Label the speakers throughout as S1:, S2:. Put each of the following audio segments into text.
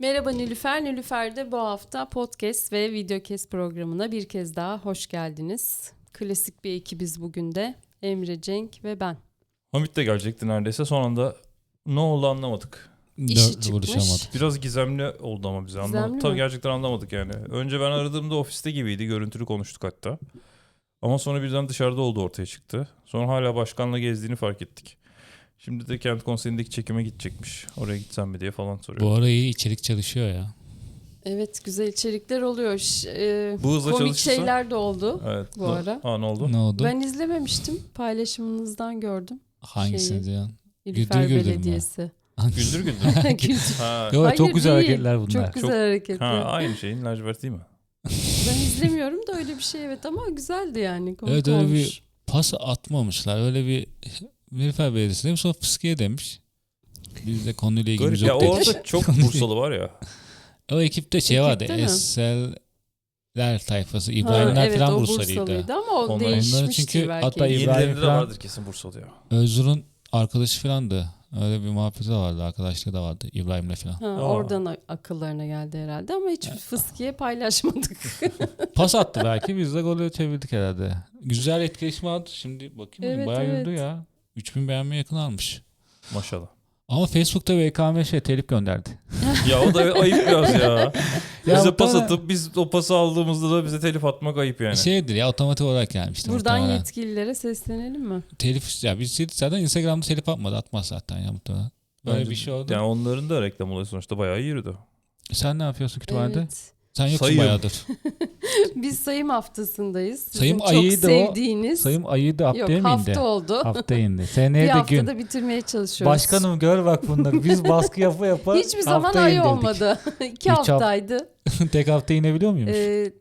S1: Merhaba Nilüfer. Nilüfer'de bu hafta podcast ve videocast programına bir kez daha hoş geldiniz. Klasik bir ekibiz bugün de. Emre, Cenk ve ben.
S2: Hamit de gelecekti neredeyse. Son anda ne oldu anlamadık.
S1: İşi çıkmış.
S2: Biraz gizemli oldu ama bize. Tabii gerçekten anlamadık yani. Önce ben aradığımda ofiste gibiydi. Görüntülü konuştuk hatta. Ama sonra birden dışarıda olduğu ortaya çıktı. Sonra hala başkanla gezdiğini fark ettik. Şimdi de kent konseyindeki çekime gidecekmiş. Oraya gitsem mi diye falan soruyor.
S3: Bu ara iyi içerik çalışıyor ya.
S1: Evet, güzel içerikler oluyor.
S2: Bu hızla
S1: komik
S2: çalışırsa...
S1: şeyler de oldu bu ara.
S2: Ne oldu?
S3: Ne oldu?
S1: Ben izlememiştim. Paylaşımınızdan gördüm.
S3: Hangisini diyorsun?
S1: Nilüfer
S3: Güldür
S1: Belediyesi.
S2: Güldür güldür.
S3: Yok,
S1: Hayır,
S3: çok güzel
S1: değil.
S3: hareketler bunlar.
S1: Çok güzel hareketler.
S2: Aynı şeyin lacivert değil mi?
S1: Ben izlemiyorum da öyle bir şey evet ama güzeldi yani. Komik
S3: Evet, öyle
S1: olmuş.
S3: bir pas atmamışlar. Öyle bir Nilüfer Belediyesi demiş, sonra fıskiye demiş. Biz de konuyla ilgimiz yok dedik.
S2: Orada çok Bursalı var ya.
S3: O ekipte şey vardı.
S1: Ekipte mi?
S3: Eserler tayfası. İbrahimler
S1: evet,
S3: falan
S1: o
S3: Bursalıydı.
S1: ama o
S2: Onların
S1: değişmiştir
S3: çünkü
S1: belki.
S3: hatta
S2: Yenilerinde de
S3: falan-
S2: vardır kesin Bursalı ya.
S3: Özgür'ün arkadaşı falandı. Öyle bir muhabbeti de vardı. Arkadaşlığı da vardı İbrahim'le falan.
S1: Oradan akıllarına geldi herhalde ama hiç fıskiye paylaşmadık.
S3: Pas attı belki. Biz de golü çevirdik herhalde. Güzel etkileşim aldı. Şimdi bakayım.
S1: Evet,
S3: Bayağı
S1: evet.
S3: yürüdü ya. 3000 beğenmeye yakın almış.
S2: Maşallah.
S3: Ama Facebook'ta VKM telif gönderdi.
S2: Ya o da ayıp biraz ya.
S3: Ya
S2: Bize
S3: o
S2: pas
S3: tane-
S2: atıp biz o pası aldığımızda da bize telif atmak ayıp yani.
S3: Şeydir ya, otomatik olarak gelmiştir.
S1: Buradan
S3: muhtemelen.
S1: yetkililere seslenelim mi?
S3: Telif ya, biz zaten Instagram'da telif atmadı, atmaz zaten ya muhtemelen. Böyle
S2: Bence-
S3: bir şey oldu.
S2: Yani onların da reklam olayı sonuçta bayağı iyi yürüdü.
S3: Sen ne yapıyorsun kütüphanede?
S1: Evet.
S3: Sen yoksun
S2: Sayım.
S3: bayağıdır.
S1: Biz sayım haftasındayız. Sizin
S3: Sayım
S1: çok
S3: ayıydı o.
S1: sevdiğiniz.
S3: Sayım ayıyı da haftaya
S1: Yok,
S3: mı
S1: hafta
S3: indi?
S1: oldu.
S3: Hafta indi.
S1: Bir
S3: Seneye de gün.
S1: haftada bitirmeye çalışıyoruz.
S3: Başkanım gör bak bunları. Biz baskı yapa
S1: Hiçbir zaman
S3: haftaya
S1: ay
S3: indirdik.
S1: olmadı. 2
S3: Üç hafta-
S1: haftaydı.
S3: Tek hafta inebiliyor muymuş?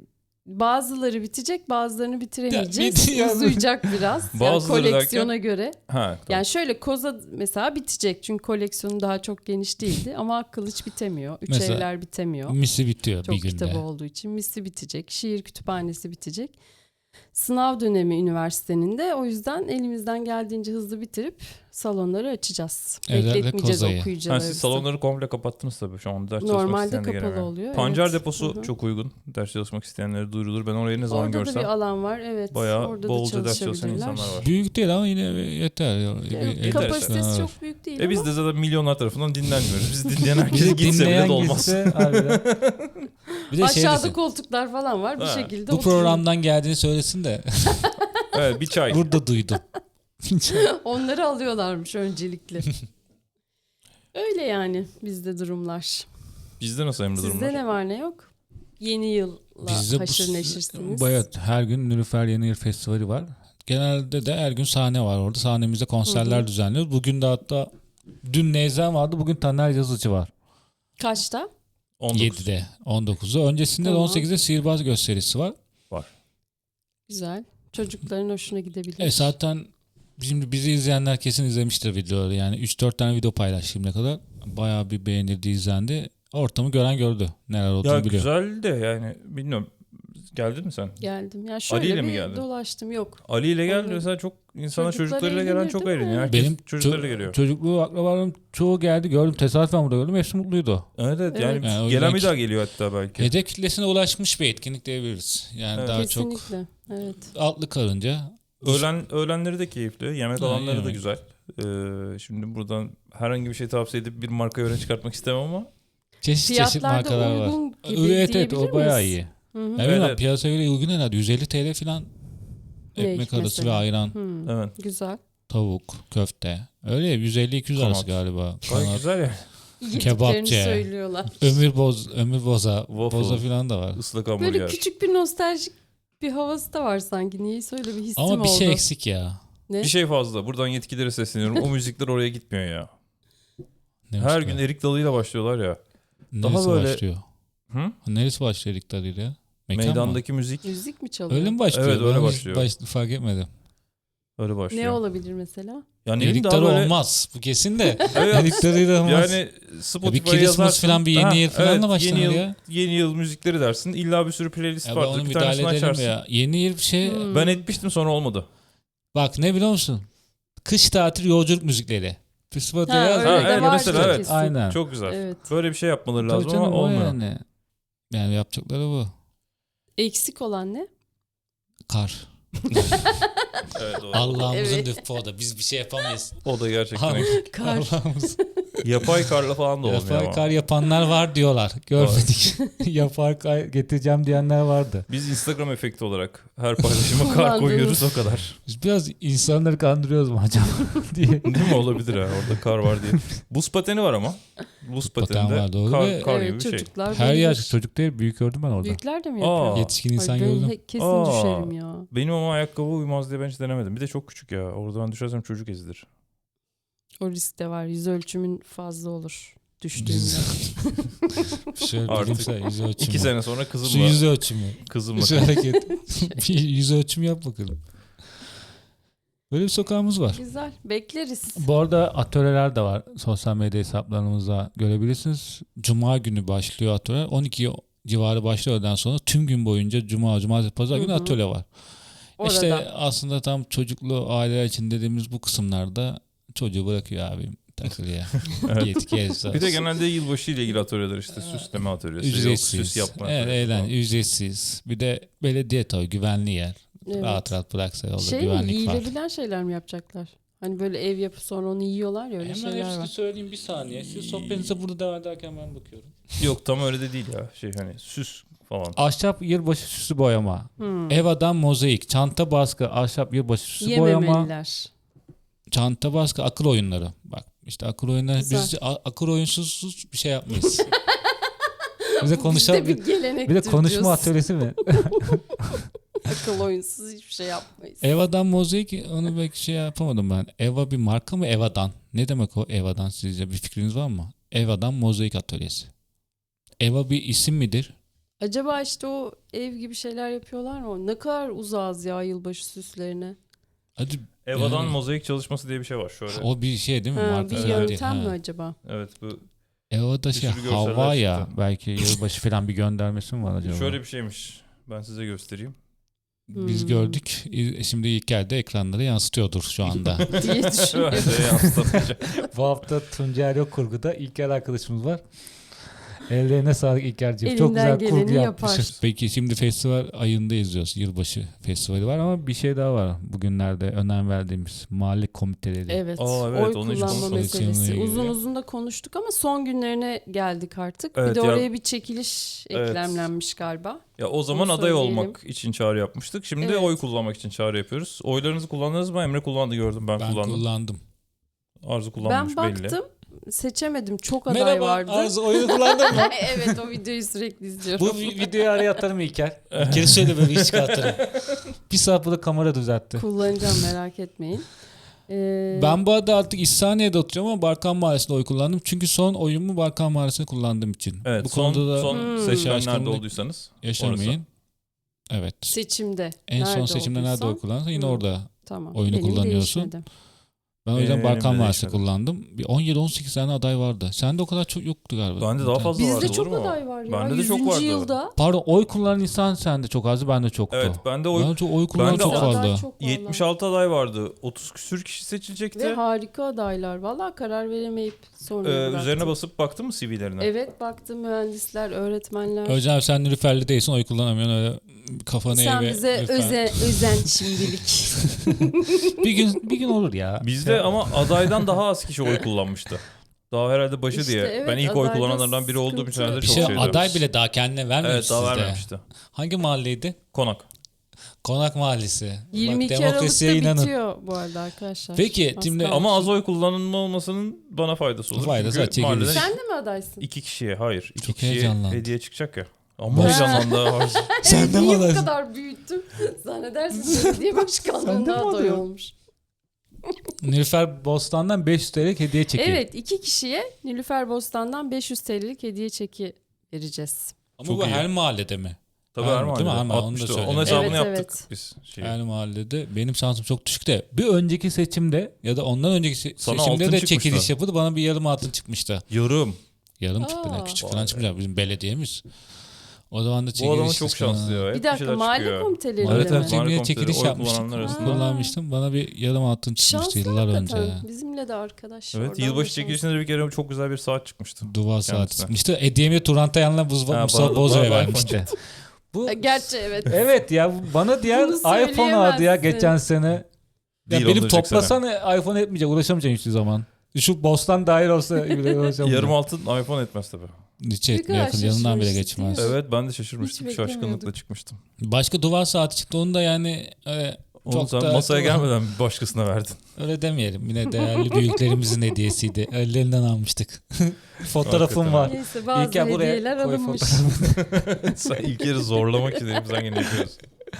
S1: Bazıları bitecek, bazılarını bitiremeyeceğiz.
S3: Ya, bir-
S1: Uzayacak biraz. Yani
S2: Bazıları
S1: koleksiyona göre.
S2: Ha,
S1: Yani şöyle koza mesela bitecek çünkü koleksiyonu daha çok geniş değildi ama kılıç bitemiyor. Üç
S3: Mesela
S1: evler bitemiyor.
S3: Misi bitiyor
S1: Çok
S3: bir günde.
S1: kitabı olduğu için misli bitecek. Şiir kütüphanesi bitecek. Sınav dönemi üniversitenin de o yüzden elimizden geldiğince hızlı bitirip salonları açacağız.
S3: Özellikle
S1: Bekletmeyeceğiz
S3: Koza'yı.
S1: okuyucuları.
S2: siz salonları komple kapattınız tabii şu an ders çalışmak
S1: Normalde
S2: isteyen de
S1: kapalı
S2: gelemiyor.
S1: oluyor,
S2: Pancar
S1: evet.
S2: deposu
S1: Hı hı.
S2: çok uygun. Ders çalışmak isteyenlere duyurulur. Ben orayı ne zaman
S1: Orada da
S2: görsem
S1: bir alan var. Evet.
S2: bayağı
S1: orada da
S2: bolca ders çalışan
S1: çalışabilirler.
S2: insanlar var.
S3: Büyük değil ama yine yeter.
S1: Evet, kapasitesi çok büyük değil
S2: Biz
S1: ama
S2: de zaten milyonlar tarafından dinlenmiyoruz. Biz dinleyen herkese gitse bile
S3: Dinleyen
S2: de olmaz.
S3: gitse harbiden. Bir de şey
S1: aşağıda
S3: desin,
S1: koltuklar falan var. Bir
S2: Ha.
S1: şekilde
S3: bu
S1: oturuyor.
S3: programdan geldiğini söylesin de
S2: Evet, bir çay.
S3: burada duydum.
S1: Onları alıyorlarmış öncelikle. Öyle yani bizde durumlar.
S2: Bizde nasıl Emre durumlar?
S1: Sizde ne var ne yok? Yeni yılla
S3: Bizde
S1: haşır neşirsiniz.
S3: bayağı her gün Nilüfer Yeni Yıl Festivali var. Genelde de her gün sahne var orada. Sahnemizde konserler düzenliyoruz. Bugün de hatta dün Neyzen vardı. Bugün Taner Yazıcı var.
S1: Kaçta?
S2: 19.
S3: 7'de 19'da. Öncesinde
S1: Tamam.
S3: de 18'de sihirbaz gösterisi var.
S1: Güzel. Çocukların hoşuna gidebilir.
S3: Zaten şimdi bizi izleyenler kesin izlemiştir videoları. Yani 3-4 tane video paylaştım ne kadar. Bayağı bir beğenildi, izlendi. Ortamı gören gördü. Neler olduğunu
S2: Ya
S3: biliyor.
S2: güzel de yani bilmiyorum. Geldin mi sen?
S1: Geldim. Ya
S2: Ali
S1: şöyle
S2: ile mi
S1: bir
S2: geldin?
S1: dolaştım. Yok.
S2: Ali ile geldi
S1: Evet.
S2: mesela çok insana
S1: Çocuklar
S2: çocuklarıyla gelen
S1: eğlenir
S2: çok
S1: değil mi?
S2: eğleniyor. Herkes
S3: Benim
S2: çocuklarıyla geliyor.
S3: çocukluğu akrabalarım çoğu geldi, gördüm. Tesadüfen burada gördüm. Hepsi mutluydu.
S2: Evet
S1: Evet.
S2: yani
S3: Yani o
S2: gelen
S3: yüzden
S2: bir daha geliyor hatta belki.
S3: Hedef kitlesine ulaşmış bir etkinlik diyebiliriz. Yani
S2: Evet.
S3: daha çok
S1: Kesinlikle. Evet.
S3: altlı karınca.
S2: Öğlenleri de keyifli. Yemek alanları da
S3: yemek.
S2: güzel. Şimdi buradan herhangi bir şey tavsiye edip bir marka öne çıkartmak istemem ama
S3: Çeşit
S1: Fiyatlar
S3: markalar
S1: da
S3: var.
S1: uygun gibi
S3: Evet
S1: diyebilir
S3: o bayağı
S1: miyiz?
S3: iyi.
S1: Hı hı.
S3: Ya
S2: Evet,
S3: bilmiyorum,
S2: evet.
S3: piyasaya göre uygun herhalde. 150 TL falan
S1: Ne
S3: ekmek arası
S1: mesela?
S3: ve ayran,
S1: Hı,
S2: evet.
S1: Güzel.
S3: tavuk, köfte. Öyle ya, 150-200 arası
S2: Kanat.
S3: galiba.
S2: Gayet
S3: Kanat.
S2: güzel ya.
S1: Yediklerini
S3: Kebapçı.
S1: söylüyorlar.
S3: Ömür boza,
S2: Waffle.
S3: boza falan da var.
S2: Islak
S1: Böyle
S2: hamburger.
S1: küçük bir nostaljik bir havası da var sanki. Niyeyse öyle bir hissim
S3: Ama bir
S1: oldu.
S3: şey eksik ya.
S1: Ne?
S2: Bir şey fazla. Buradan yetkililere sesleniyorum. O müzikler oraya gitmiyor ya.
S3: Ne
S2: Her
S3: başka?
S2: gün Erik Dalı'yla başlıyorlar ya.
S3: Neresi
S2: daha böyle-
S3: başlıyor?
S2: Hı?
S3: Neresi başlıyor Erik Dalı'yla? Mekan mı?
S2: Meydandaki müzik
S1: Müzik mi çalıyor?
S3: Öyle mi başlıyor?
S2: Evet, öyle
S3: Ben hiç
S2: başlıyor.
S3: fark etmedim.
S2: öyle başlıyor.
S1: Ne olabilir mesela?
S2: Yani
S3: Erik
S2: daha
S3: Dalı
S2: böyle...
S3: olmaz. Bu kesin de.
S2: Evet.
S3: Erik Dalı'yla olmaz.
S2: Yani
S3: Ya bir
S2: Spotify'a
S3: Christmas
S2: yazarsın.
S3: falan, bir yeni yıl falan da başlanır
S2: yeni yıl,
S3: ya.
S2: Yeni yıl müzikleri dersin. İlla bir sürü playlist
S3: Ya ben
S2: vardır.
S3: onu
S2: Bir tanesini
S3: müdahale edelim
S2: açarsın.
S3: ya. Yeni yıl bir şey.
S2: Ben etmiştim sonra olmadı.
S3: Bak ne biliyor musun? Kış tatil yolculuk müzikleri. Festivalde
S1: Ha,
S3: yaz.
S1: öyle
S2: de vardır
S3: mesela,
S2: evet.
S1: kesin.
S3: Aynen.
S2: Çok güzel.
S1: Evet.
S2: Böyle bir şey yapmaları
S3: Tabii
S2: lazım
S3: canım,
S2: ama
S3: o
S2: olmuyor.
S3: yani. Yani yapacakları bu.
S1: Eksik olan ne?
S3: Kar.
S2: Evet, doğru.
S3: Allah'ımızın
S1: Evet.
S3: lütfu o da. Biz bir şey yapamayız.
S2: O da gerçekten
S3: Allah-
S2: eksik.
S1: Kar.
S3: Allah'ımız.
S2: Yapay karla falan da olmuyor
S3: Yapay
S2: ama.
S3: kar yapanlar var diyorlar. Görmedik. Yapay kar getireceğim diyenler vardı.
S2: Biz Instagram efekti olarak her paylaşıma kar
S1: Kullandınız.
S2: koyuyoruz o kadar.
S3: Biz biraz insanları kandırıyoruz mu acaba diye.
S2: Değil mi? Olabilir ha. Orada kar var diye. Buz pateni var ama. Buz
S3: paten
S2: pateninde
S3: var, doğru.
S2: kar,
S3: Ve-
S2: kar gibi
S1: Evet,
S2: bir şey.
S1: çocuklar
S3: Her
S1: bilir.
S3: yaş çocuk değil, büyük gördüm ben orada.
S1: Büyükler de mi
S2: Aa.
S1: yapıyor?
S3: Yetişkin insan
S1: Ay, ben
S3: gördüm.
S1: kesin
S2: Aa.
S1: düşerim ya.
S2: Benim ama ayakkabı uymaz diye ben hiç denemedim. Bir de çok küçük ya. Orada ben düşersem çocuk ezilir.
S1: O risk de var. Yüz ölçümün fazla olur düştüğümde.
S3: Şöyle
S2: Artık
S3: bilimsel yüz ölçümü.
S2: 2 sene sonra
S3: Şu
S2: kızımla
S3: yüz ölçümü.
S2: kızımla
S3: Şu hareket. Bir yüz ölçümü yap bakalım. Böyle bir sokağımız var.
S1: Güzel. Bekleriz.
S3: Bu arada atölyeler de var. Sosyal medya hesaplarımızda görebilirsiniz. Cuma günü başlıyor atölye. 12 civarı başlıyor. Öğleden sonra tüm gün boyunca cuma, cumartesi, pazar günü
S1: Hı hı.
S3: atölye var.
S1: Orada.
S3: İşte aslında tam çocuklu aileler için dediğimiz bu kısımlarda çocuğu bırakıyor abim takılıyor.
S2: Evet.
S3: Git gez.
S2: Bir de genelde yılbaşı ile ilgili atölyeler işte süsleme atölyesi, yok
S3: ücretsiz.
S2: süs yapma
S3: Evet,
S2: atölyesi falan.
S3: ücretsiz. Bir de belediye tabii güvenli yer.
S1: Evet.
S3: Rahat rahat bıraksa yolda
S1: Şey mi?
S3: güvenlik var.
S1: Yiyilebilen şeyler mi yapacaklar? Hani böyle ev yapıp sonra onu yiyorlar ya, öyle
S3: Hemen
S1: şeyler
S3: hepsini
S1: var.
S3: söyleyeyim bir saniye. Siz sohbetinize burada devam ederken ben bakıyorum.
S2: Yok tam öyle de değil ya. Şey hani süs falan.
S3: Ahşap yılbaşı süsü boyama.
S1: Hmm.
S3: Ev adam mozaik. Çanta baskı. Ahşap yılbaşı süsü boyama.
S1: Yememeliler.
S3: Çanta baskı. Akıl oyunları. Bak işte akıl oyunları.
S1: Güzel.
S3: Biz akıl oyunsuz bir şey yapmayız. Bize
S1: Bizde
S3: konuşalım.
S1: bir gelenektir
S3: Bir de konuşma
S1: diyorsun.
S3: atölyesi mi?
S1: Akıl oyunsuz hiçbir şey yapmayız.
S3: Eva'dan mozaik onu belki şey yapamadım ben. Eva bir marka mı Eva'dan? Ne demek o Eva'dan sizce bir fikriniz var mı? Eva'dan mozaik atölyesi. Eva bir isim midir?
S1: Acaba işte o ev gibi şeyler yapıyorlar mı? Ne kadar uzağız ya yılbaşı süslerine.
S3: Hadi
S2: Eva'dan
S3: yani-
S2: mozaik çalışması diye bir şey var. Şöyle.
S3: o bir şey değil mi?
S1: Ha,
S3: Marka
S1: bir
S3: değil.
S1: yöntem mi
S3: Ha.
S1: acaba?
S2: Evet bu
S3: Eva'da
S2: Bir
S3: şey
S2: sürü görseller
S3: hava ya
S2: çıktı.
S3: belki yılbaşı falan bir göndermesi mi var acaba?
S2: şöyle bir şeymiş. Ben size göstereyim.
S3: Biz
S1: Hmm.
S3: gördük. Şimdi İlker de ekranlara yansıtıyordur şu anda.
S1: diye
S2: Ben
S1: düşünüyorum.
S2: de yansıtamayacağım.
S3: Bu hafta Tuncay Yok Kurgu'da İlker arkadaşımız var. Ellerine sağlık İlker'ciğim. Çok
S1: Elinden
S3: güzel kurgu
S1: geleni
S3: yapmışız.
S1: yapar.
S3: Peki şimdi festival ayında izliyoruz. Yılbaşı festivali var ama bir şey daha var. Bugünlerde önem verdiğimiz mahalle komiteleri.
S1: Evet.
S2: Aa, evet,
S1: Oy
S2: onu hiç
S1: kullanma
S2: konuşmadık.
S1: meselesi.
S3: Seninle
S1: Uzun
S3: ilgili.
S1: uzun da konuştuk ama son günlerine geldik artık.
S2: Evet,
S1: bir de
S2: ya-
S1: oraya bir çekiliş
S2: Evet.
S1: eklemlenmiş galiba.
S2: Ya o zaman
S1: Onu
S2: aday
S1: söyleyelim.
S2: olmak için çağrı yapmıştık. Şimdi
S1: Evet.
S2: oy kullanmak için çağrı yapıyoruz. Oylarınızı kullandınız mı? Emre kullandı gördüm. Ben
S3: Ben
S2: kullandım.
S3: kullandım.
S2: Arzu kullanmış
S1: Ben
S2: belli.
S1: baktım, seçemedim. Çok aday
S3: Merhaba
S1: vardı.
S3: Arzu oyunu kullandın mı?
S1: Evet, o videoyu sürekli izliyorum.
S3: Bu videoyu araya atarım İlker. İlker'i söyle böyle iş çıkartırım. Bir saat burada kamera düzeltti.
S1: Kullanacağım, merak etmeyin.
S3: Ben bu arada artık İhsaniye'de oturuyorum ama Barkan Mahallesi'nde oy kullandım. Çünkü son oyumu Barkan Mahallesi'nde kullandığım için.
S2: Evet
S3: bu
S2: son,
S3: konuda da
S2: son seçmen nerede
S3: şaşkınlık
S2: olduysanız.
S3: yaşamayın. Evet.
S1: seçimde.
S3: En son
S1: nerede
S3: seçimde nerede oy
S1: olduysam,
S3: kullandın? Yine
S1: Hı.
S3: orada.
S1: Tamam.
S3: oyunu
S1: Benim
S3: kullanıyorsun.
S1: değişmedi.
S3: Ben o yüzden
S2: Benim
S3: Barkan
S2: de
S3: Mahallesi
S2: değişmedi.
S3: kullandım. Bir 17-18 tane aday vardı. Sende o kadar çok yoktu galiba.
S2: Bende daha fazla vardı.
S1: Bizde
S2: olur
S1: çok
S2: mu?
S1: aday var ya.
S2: Bende de çok
S1: 100.
S2: vardı.
S1: yılda.
S3: Pardon oy kullanan insan sende çok azdı. Bende çoktu.
S2: Evet bende oy
S3: Ben çok oy kullanan
S2: Bende
S3: çok
S2: aday
S3: fazla.
S1: çok vallahi.
S2: 76 aday vardı. 30 küsür kişi seçilecekti.
S1: Ve harika adaylar. Valla karar veremeyip sonra bıraktım.
S2: Üzerine basıp baktın mı CV'lerine?
S1: Evet, baktım, mühendisler, öğretmenler.
S3: Hocam sen Nilüfer'li değilsin oy kullanamıyorsun öyle kafanı
S1: Sen
S3: eğ ve
S1: bize
S3: Nilüfer.
S1: özen şimdilik.
S3: bir gün olur ya.
S2: Bizde ama adaydan daha az kişi oy kullanmıştı. Daha herhalde başı
S1: İşte
S2: diye.
S1: evet,
S2: Ben ilk oy
S1: adayda
S2: kullananlardan biri olduğum için
S1: sıkıntı.
S2: herhalde
S3: Bir
S2: çok
S3: şey
S2: şeydi.
S3: aday bile daha kendine vermemiş
S2: Evet daha
S3: sizde.
S2: vermemişti.
S3: Hangi mahalleydi?
S2: Konak.
S3: Konak Mahallesi.
S1: 22
S3: Bak, demokrasiye
S1: Aralık'ta
S3: inanın.
S1: bitiyor bu arada arkadaşlar.
S3: Peki
S1: Az
S3: şimdi
S1: kaldı.
S2: Ama az oy kullanılma olmasının bana faydası olur.
S3: Faydası
S2: Çünkü
S3: var, çekiliş.
S2: mahalleden
S1: Sen de mi adaysın?
S2: 2 kişiye hayır. 2
S3: Çok
S2: kişiye
S3: heyecanlandım.
S2: hediye çıkacak ya. Ama
S1: Ha.
S2: heyecanlandı. Arzu.
S3: Sen de mi
S1: Niye bu
S3: adaysın?
S1: kadar büyüttüm? Zannedersin belediye
S3: Sen de
S1: başkanlığına
S3: mi
S1: aday
S3: adayın?
S1: olmuş.
S3: Nilüfer Bostan'dan 500 TL'lik hediye çekiyor.
S1: Evet, 2 kişiye Nilüfer Bostan'dan 500 TL'lik hediye çeki vereceğiz.
S3: Ama
S2: Çok
S3: bu
S2: iyi.
S3: her mahallede mi?
S2: Tabii
S3: Değil
S2: her
S3: mi?
S2: mahallede.
S3: Her mahallede, onu da
S2: 60'tı.
S3: söyle.
S2: Onun hesabını
S1: Evet,
S2: yaptık
S1: evet.
S2: biz.
S3: Her mahallede. Benim şansım çok düşük de. Bir önceki seçimde ya da ondan önceki
S2: Sana
S3: seçimde
S2: altın
S3: de
S2: çıkmıştı.
S3: çekiliş yapıldı. Bana bir yarım altın çıkmıştı.
S2: Yarım.
S3: Yarım çıktı.
S1: Aa.
S3: Ne küçük falan çıkmayacak bizim belediyemiz. O zaman da
S2: Bu
S3: çekiliş
S2: adamın çok şanslı ya. Hep
S1: Bir dakika
S2: şeyler
S1: mahalle
S2: çıkıyor.
S1: komitelerinde
S3: Evet,
S1: mi?
S3: evet. Cemile
S2: Mahalle
S3: çekiliş
S2: komiseri, oy
S3: yapmıştık.
S2: kullananlar arasında.
S3: Kullanmıştım. Bana bir yarım altın çıkmıştı
S1: Şanslı
S3: yıllar önce.
S1: hakikaten. Bizimle de arkadaş.
S2: Evet,
S1: oradan
S2: yılbaşı
S1: da
S2: çekilişinde de bir kere çok güzel bir saat çıkmıştı.
S3: Duvar saati
S2: Kendisine.
S3: çıkmıştı. Hediyemi Turantayan'la
S2: bana
S3: Mustafa
S2: da-
S3: Bozo'ya
S2: bana da
S3: vermişti. Bu
S1: şanslı. Gerçi evet.
S3: evet ya bana diğer
S1: Bunu
S3: iPhone aldı ya
S1: söyleyemezsin.
S3: geçen sene. Ya
S2: Değil,
S3: benim
S2: ondan önceki
S3: toplasana iPhone etmeyecek. Uğraşamayacağım hiçbir zaman. Şu Bostan dahil olsa bile uğraşamayacağım.
S2: Yarım altın iPhone etmez tabii.
S3: Hiç
S1: Ne
S3: etmiyor.
S1: kadar
S3: Yakın yanından bile
S1: şaşırmıştık,
S3: geçmez.
S1: değil mi?
S2: Evet, ben de şaşırmıştım.
S1: Hiç
S2: Şaşkınlıkla
S1: beklemiyordum.
S2: çıkmıştım.
S3: Başka duvar saati çıktı. Onu da yani
S2: Onu
S3: çok
S2: sen
S3: da
S2: masaya gelmeden bir başkasına verdin.
S3: öyle demeyelim. Yine değerli büyüklerimizin hediyesiydi. Ellerinden almıştık. Fotoğrafım
S2: Hakikaten.
S3: var.
S1: Neyse bazı
S3: İlker buraya
S1: hediyeler
S3: koy
S1: alınmış.
S2: Sen ilk yeri zorlamak için elimizden geleni yapıyoruz.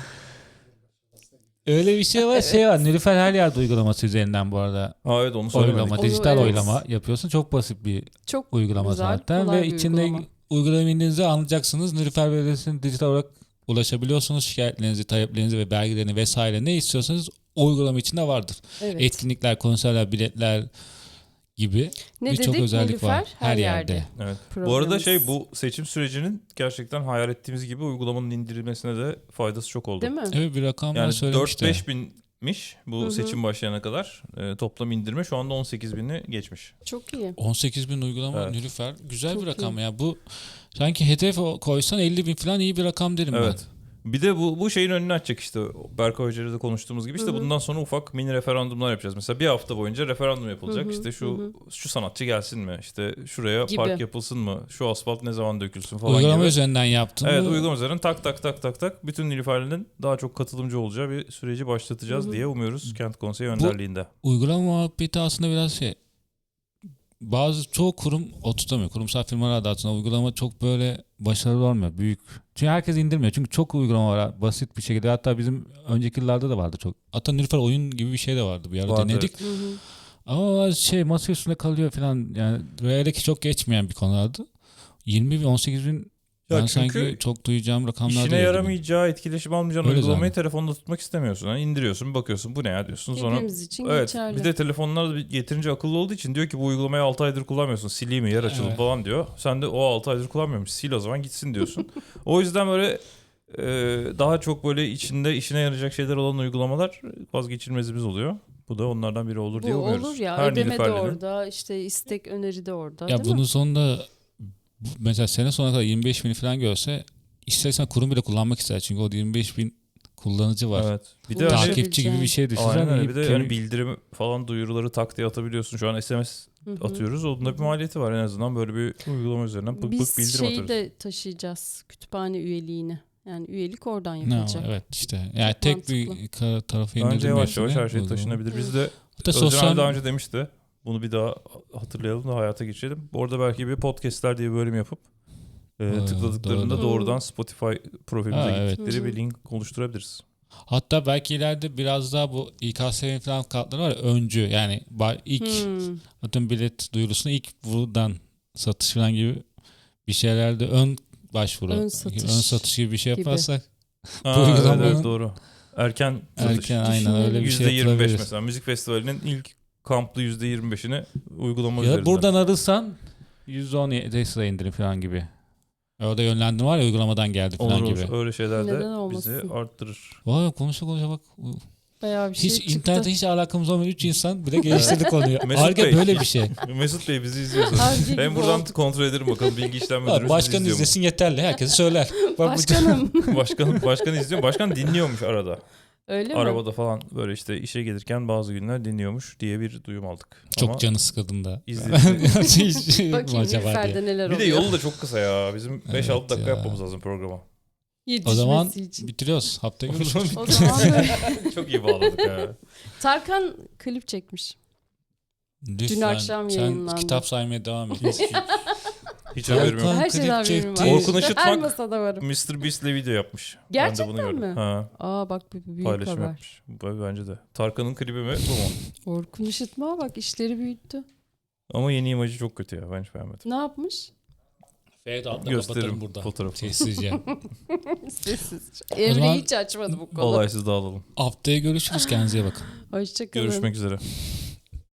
S3: Öyle bir şey var. Şey var. Nilüfer her yerde uygulaması üzerinden bu arada.
S2: Ha evet, onu söylemedik.
S3: Oylama,
S1: Onu
S3: dijital
S1: evet.
S3: oylama yapıyorsun. Çok basit bir
S1: Çok
S3: uygulama
S1: güzel,
S3: zaten
S1: kolay
S3: ve
S1: bir
S3: içinde
S1: uygulama.
S3: uygulama indiğinizde anlayacaksınız. Nilüfer Belediyesi'ne dijital olarak ulaşabiliyorsunuz. Şikayetlerinizi, taleplerinizi ve belgelerini vesaire ne istiyorsanız o uygulama içinde vardır.
S1: Evet.
S3: Etkinlikler, konserler, biletler gibi
S1: Ne
S3: birçok
S1: dedik?
S3: özellik
S1: Nilüfer
S3: var. Her yerde.
S2: Evet. Bu
S1: Programımız.
S2: arada bu seçim sürecinin gerçekten hayal ettiğimiz gibi uygulamanın indirilmesine de faydası çok oldu.
S1: Değil mi?
S3: Evet, bir rakamlar
S2: Yani
S3: söylemişti.
S2: 4-5 binmiş bu
S1: Hı hı.
S2: seçim başlayana kadar. Toplam indirme şu anda 18 bini geçmiş.
S1: Çok iyi.
S3: 18.000 uygulama
S2: Evet.
S3: Nilüfer. Güzel
S1: Çok
S3: bir rakam
S1: iyi.
S3: ya. Bu sanki hedef koysan 50.000 falan iyi bir rakam derim
S2: Evet. Bir de bu şeyin önünü açacak işte. Berkay Hoca'yla da konuştuğumuz gibi işte
S1: Hı hı.
S2: bundan sonra ufak mini referandumlar yapacağız. Mesela bir hafta boyunca referandum yapılacak.
S1: Hı hı,
S2: İşte
S1: hı
S2: şu sanatçı gelsin mi? İşte şuraya
S1: Gibi.
S2: park yapılsın mı? Şu asfalt ne zaman dökülsün
S3: ben.
S2: falan
S3: Uygulama
S2: gibi.
S3: üzerinden yaptın
S2: Evet,
S3: mı?
S2: uygulama üzerinden tak bütün Nilüferli'nin daha çok katılımcı olacağı bir süreci başlatacağız
S1: Hı hı.
S2: diye umuyoruz Kent Konseyi önderliğinde.
S3: Uygulama muhabbeti aslında biraz şey. Çoğu kurum oturtamıyor. Kurumsal firmalar adı altında uygulama çok böyle başarılı olmuyor. Büyük. Çünkü herkes indirmiyor. Çünkü çok uygulama var. Basit bir şekilde. Hatta bizim önceki yıllarda da vardı çok. Hatta Nilüfer oyun gibi bir şey de vardı. Bir ara
S2: Vardı,
S3: denedik.
S1: Hı hı.
S3: Ama masa üstünde kalıyor falan. Yani böyle ki çok geçmeyen bir konulardı. 20 bin 18 bin
S2: Ya
S3: ben
S2: çünkü
S3: sanki çok duyacağım rakamlar
S2: İşine
S3: değil.
S2: yaramayacağı, etkileşim almayacağın
S3: Öyle
S2: uygulamayı
S3: zaten.
S2: telefonda tutmak istemiyorsun. Yani indiriyorsun, bakıyorsun bu ne ya diyorsun. Sonra
S1: Hepimiz için
S2: evet,
S1: geçerli.
S2: bir de telefonlar da yeterince akıllı olduğu için diyor ki bu uygulamayı 6 aydır kullanmıyorsun. Sileyim mi, yer açıldı
S3: Evet.
S2: falan diyor. Sen de o 6 aydır kullanmıyormuş. Sil o zaman gitsin diyorsun. O yüzden böyle daha çok böyle içinde işine yarayacak şeyler olan uygulamalar vazgeçilmezimiz oluyor. Bu da onlardan biri olur diye
S1: Bu
S2: umuyoruz.
S1: olur ya.
S2: Her
S1: Ödeme de
S2: Nilüferli'nin-
S1: orada. İşte istek öneri de orada.
S3: Ya
S1: değil
S3: bunun
S1: mi?
S3: sonunda mesela sene sonuna kadar 25 bin falan görse istersen kurum bile kullanmak ister. Çünkü o 25 bin kullanıcı var.
S2: Evet. Bir de
S1: Ulaşabileceğin.
S2: hani,
S3: Takipçi gibi bir şey düşünsen.
S2: aynen öyle.
S3: iyi
S2: Bir de yani bildirim falan duyuruları tak diye atabiliyorsun. Şu an SMS
S1: Hı hı.
S2: atıyoruz. Onun da bir maliyeti var en azından. Böyle bir uygulama üzerinden bık
S1: Biz
S2: bık bildirim
S1: şeyi
S2: atarız.
S1: de taşıyacağız. Kütüphane üyeliğini. Yani üyelik oradan
S3: Ne
S1: yapılacak.
S3: evet işte. Yani
S1: Çok
S3: tek bir tarafı
S2: Bence
S3: indirdim.
S2: yavaş yavaş her şey taşınabilir. Biz de
S3: Hatta
S2: Özcan abi
S3: sosyal
S2: daha önce demişti. Bunu bir daha hatırlayalım da hayata geçirelim. Orada belki bir podcastler diye bir bölüm yapıp tıkladıklarında
S1: doğru.
S2: doğrudan Spotify profilimize
S3: Ha, evet.
S2: gittikleri
S1: Hı hı.
S2: bir link oluşturabiliriz.
S3: hatta belki ileride biraz daha bu İKSV'nin falan kartları var ya, öncü yani ilk
S1: Hmm.
S3: atıyorum bilet duyurusunu ilk buradan satış falan gibi bir şeylerde ön başvuru.
S1: Ön satış
S3: gibi bir şey
S1: gibi.
S3: yaparsak
S2: Ha,
S3: uygulamanın-
S2: evet, doğru. Erken satış.
S3: erken aynen öyle bir şey
S2: %25
S3: yapılabilir.
S2: mesela. Müzik festivalinin ilk kamplı %25'ini uygulama
S3: Ya
S2: üzerinden.
S3: buradan arırsan %10 sıra indirim falan gibi. Orada yönlendirme var ya uygulamadan geldi falan
S2: olur,
S3: gibi.
S2: olur. Öyle şeyler de
S1: Neden
S2: bizi
S1: olmasın?
S2: arttırır.
S3: Vay konuşa bak.
S1: Bayağı bir şey
S3: Hiç
S1: çıktı.
S3: internete hiç alakamız olmayan 3 insan bile geliştirdik konuyu.
S2: Mesut
S3: Arge
S2: Bey.
S3: böyle bir şey.
S2: Mesut Bey bizi izliyorsunuz.
S1: Harcı
S2: Ben
S1: gibi
S2: buradan
S1: olduk.
S2: kontrol ederim bakalım bilgi işlem müdürümüz bizi
S3: Başkan
S2: izliyor mu?
S3: izlesin yeterli. Herkesi söyler. Bak bu-
S1: Başkanım.
S2: Başkan izliyor. Başkan dinliyormuş arada.
S1: Öyle mi?
S2: Arabada falan böyle işte işe gelirken bazı günler dinliyormuş diye bir duyum aldık.
S3: Çok
S2: Ama
S3: canı sıkıldığında.
S2: izledi.
S1: Bakayım Nilüfer'de neler
S2: Bir
S1: oluyor.
S2: de yolu da çok kısa ya. Bizim 5-6
S3: Evet
S2: dakika
S3: ya.
S2: yapmamız lazım programa.
S3: O
S1: Yetişmesi
S3: zaman
S1: için.
S3: bitiriyoruz. Haftaya görüşürüz.
S1: O zaman böyle.
S2: Çok iyi bağladık ya.
S1: Tarkan klip çekmiş.
S3: Lütfen,
S1: akşam
S3: sen
S1: yayınlandı.
S3: kitap saymaya devam et.
S2: Hiç haberim yok.
S3: Tarkan
S1: Her şeyden
S3: klip
S1: haberim var.
S3: çekti.
S2: Orkun Işıtmak-
S1: Her masada varım.
S2: Mr. Beast'le video yapmış. Ben
S1: Gerçekten
S2: de bunu gördüm.
S1: mi?
S2: Ha,
S1: Aa bak bu büyük
S2: paylaşım
S1: haber.
S2: yapmış. Bence de. Tarkan'ın klibi mi bu mu?
S1: Orkun Işıtma bak işleri büyüttü.
S2: Ama yeni imajı çok kötü ya. Ben hiç beğenmedim.
S1: Ne yapmış?
S3: Fade out'la
S2: Gösteririm
S3: kapatalım burada.
S2: fotoğrafı.
S3: Sessizce.
S1: Sessiz.
S3: zaman
S1: Emre hiç açmadı bu konu.
S2: Olaysız dağılalım.
S3: Haftaya görüşürüz. Kendinize iyi bakın.
S1: Hoşçakalın.
S2: Görüşmek üzere.